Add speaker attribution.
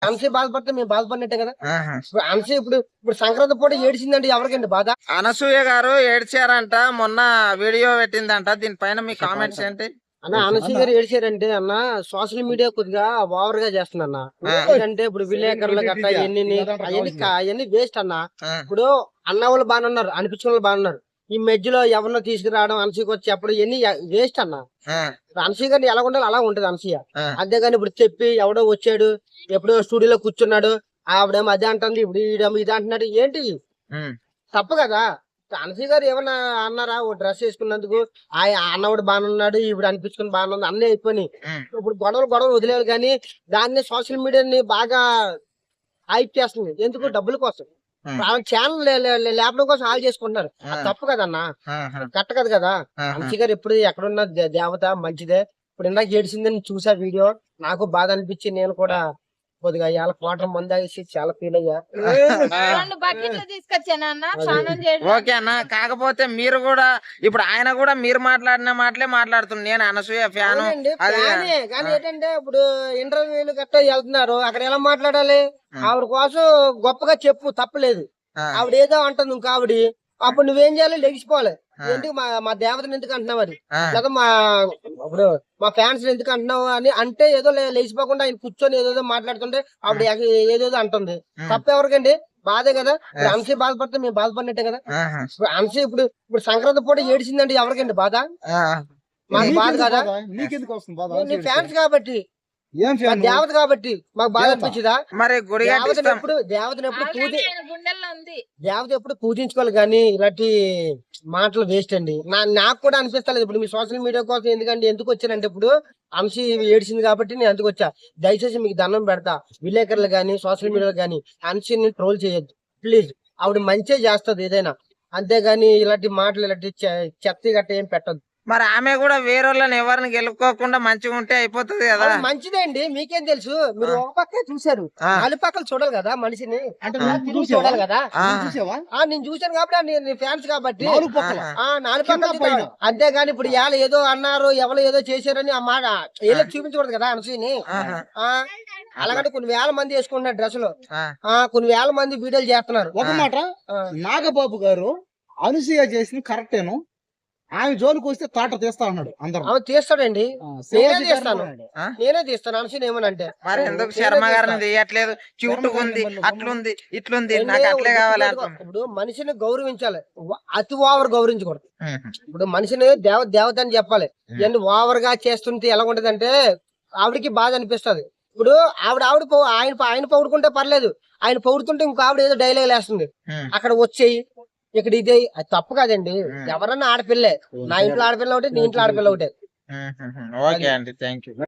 Speaker 1: అనసూయ బాధపడితే మేము బాధపడినట్టే కదా. ఇప్పుడు అనసూయ ఇప్పుడు సంక్రాంతి పూట ఏడిచిందంటే ఎవరికండి బాధ?
Speaker 2: అనసూయ గారు ఏడ్చారంట, మొన్న వీడియో పెట్టిందంట. దీనిపైన మీ కామెంట్స్ ఏంటి?
Speaker 1: అన్న అనసూయ గారు ఏడిచారంటే అన్న సోషల్ మీడియా కొద్దిగా ఓవర్ గా చేస్తుంది అన్న. ఎందుకంటే ఇప్పుడు విలేకరులు గట్రా అవన్నీ వేస్ట్ అన్న. ఇప్పుడు అన్న వాళ్ళు బాగున్నారు, అనిపించిన వాళ్ళు బాగున్నారు. ఈ మధ్యలో ఎవరినో తీసుకురావడం, అనసూయకి వచ్చి చెప్పడం ఇవన్నీ వేస్ట్ అన్న. అనసూయ గారిని ఎలా ఉండాలి అలా ఉంటది అనసూయ. అంతేగాని ఇప్పుడు చెప్పి ఎవడో వచ్చాడు, ఎప్పుడో స్టూడియోలో కూర్చున్నాడు, ఆవిడేమో అదే అంటుంది, ఇప్పుడు ఈడేమో ఇది అంటున్నాడు, ఏంటి తప్పు కదా. అనసూయ గారు ఏమన్నా అన్నారా? ఓ డ్రెస్ వేసుకున్నందుకు ఆ అన్నవాడు బాగున్నాడు, ఇప్పుడు అనిపించుకుని బాగుంది, అన్నీ అయిపోయి ఇప్పుడు గొడవలు వదిలేరు. కానీ దాన్ని సోషల్ మీడియాని బాగా హైప్ చేస్తుంది. ఎందుకు? డబ్బుల కోసం. ఛానల్ లేపడం కోసం ఆల్ చేసుకుంటున్నారు. తప్పు కదన్నా, కరెక్ట్ కదా. అనసూయ గారు ఎప్పుడు ఎక్కడున్న దేవత మంచిదే. ఇప్పుడు ఇందాక ఏడిసిందని చూసా వీడియో, నాకు బాధ అనిపించి నేను కూడా కొద్దిగా ఇవాళ క్వార్టర్ మంది ఆగేసి చాలా ఫీల్ అయ్యా.
Speaker 2: ఓకే అన్న, కాకపోతే మీరు కూడా ఇప్పుడు ఆయన కూడా మీరు మాట్లాడిన మాటలే మాట్లాడుతున్నారు. నేను అనసూయ ఫ్యాను.
Speaker 1: కానీ ఏంటంటే ఇప్పుడు ఇంటర్వ్యూలు గట్టా వెళ్తున్నారు, అక్కడ ఎలా మాట్లాడాలి? ఆవిడ కోసం గొప్పగా చెప్పు, తప్పలేదు. ఆవిడ ఏదో అంటుంది ఇంకా ఆవిడ, అప్పుడు నువ్వేం చేయాలి? లెగిసిపోవాలి. ఎందుకు మా దేవతను ఎందుకు అంటున్నావు అది, లేదా ఇప్పుడు మా ఫ్యాన్స్ ఎందుకు అంటున్నావు అని అంటే ఏదో లేచిపోకుండా ఆయన కూర్చొని ఏదో మాట్లాడుతుంటే ఆవిడ ఏదేదో అంటుంది. తప్ప ఎవరికండి? బాధే కదా. అనసూయ బాధపడితే మేము బాధపడినట్టే కదా. అనసూయ ఇప్పుడు సంక్రాంతి పూట ఏడిచిందంటే ఎవరికండి బాధ? మాకు బాధ కదా. నీ ఫ్యాన్స్ కాబట్టి, దేవత కాబట్టి మాకు బాధ అనిపించదా?
Speaker 2: మరి
Speaker 1: దేవత ఎప్పుడు పూజించుకోవాలి. కానీ ఇలాంటి మాటలు వేస్ట్ అండి. నాకు కూడా అనిపిస్తలేదు. ఇప్పుడు మీ సోషల్ మీడియా కోసం ఎందుకు వచ్చానంటే, ఇప్పుడు అనసూయ ఏడిచింది కాబట్టి నేను ఎందుకు వచ్చా. దయచేసి మీకు దండం పెడతా, విలేకరులు గానీ సోషల్ మీడియాలో గానీ అనసూయని ట్రోల్ చేయొద్దు ప్లీజ్. ఆవిడ మంచిగా చేస్తుంది ఏదైనా, అంతేగాని ఇలాంటి మాటలు ఇలాంటి చెత్త గట్ట ఏం పెట్టద్దు.
Speaker 2: మరి ఆమె కూడా వేరే వాళ్ళని ఎవరిని గెలుపుకోకుండా మంచిగా ఉంటే అయిపోతుంది కదా.
Speaker 1: మంచిదే అండి, మీకేం తెలుసు? మీరు ఒక పక్క చూసారు, నాలుగు పక్కలు చూడాలి కదా మనిషిని. చూడాలి కదా. నేను చూసాను కాబట్టి ఫ్యాన్స్ కాబట్టి నాలుగు పక్కలు. అంతేగాని ఇప్పుడు ఏదో అన్నారు, ఎవరు ఏదో చేశారని ఆ మాట ఏదో చూపించకూడదు కదా అనసూయని. అలాగంటే కొన్ని వేల మంది వేసుకుంటున్నారు డ్రెస్సులు, కొన్ని వేల మంది వీడియోలు చేస్తున్నారు.
Speaker 3: ఒక మాట, నాగబాబు గారు అనసూయ చేసింది కరెక్టేను. ఆమె జోలికి వస్తే తాట తీస్తా అన్నాడు. అందరూ
Speaker 1: తీస్తాడండి, నేనే తీస్తాను అనసూయ ఏమనంటే.
Speaker 2: మరి ఎందుకు శర్మ గారిని తీయట్లేదు? క్యూట్ ఉంది, అట్లుంది, ఇట్లుంది, నాకు అట్లే కావాలి.
Speaker 1: ఇప్పుడు మనిషిని గౌరవించాలి, అతి ఓవర్ గౌరవించకూడదు. ఇప్పుడు మనిషిని దేవత అని చెప్పాలి. ఇవన్నీ ఓవర్ గా చేస్తుంటే ఎలా ఉంటదంటే ఆవిడకి బాధ అనిపిస్తుంది. ఇప్పుడు ఆయన పొగుడుకుంటే పర్లేదు, ఆయన పొగుడుతుంటే ఇంకో ఆవిడ ఏదో డైలాగ్ వేస్తుంది, అక్కడ వచ్చేయి ఇక్కడ ఇదే. అది తప్పు కాదండి. ఎవరన్నా ఆడపిల్లే, నా ఇంట్లో ఆడపిల్ల ఒకటి, నీ ఇంట్లో ఆడపిల్ల ఒకటే.
Speaker 2: ఓకే అండి, థ్యాంక్ యూ.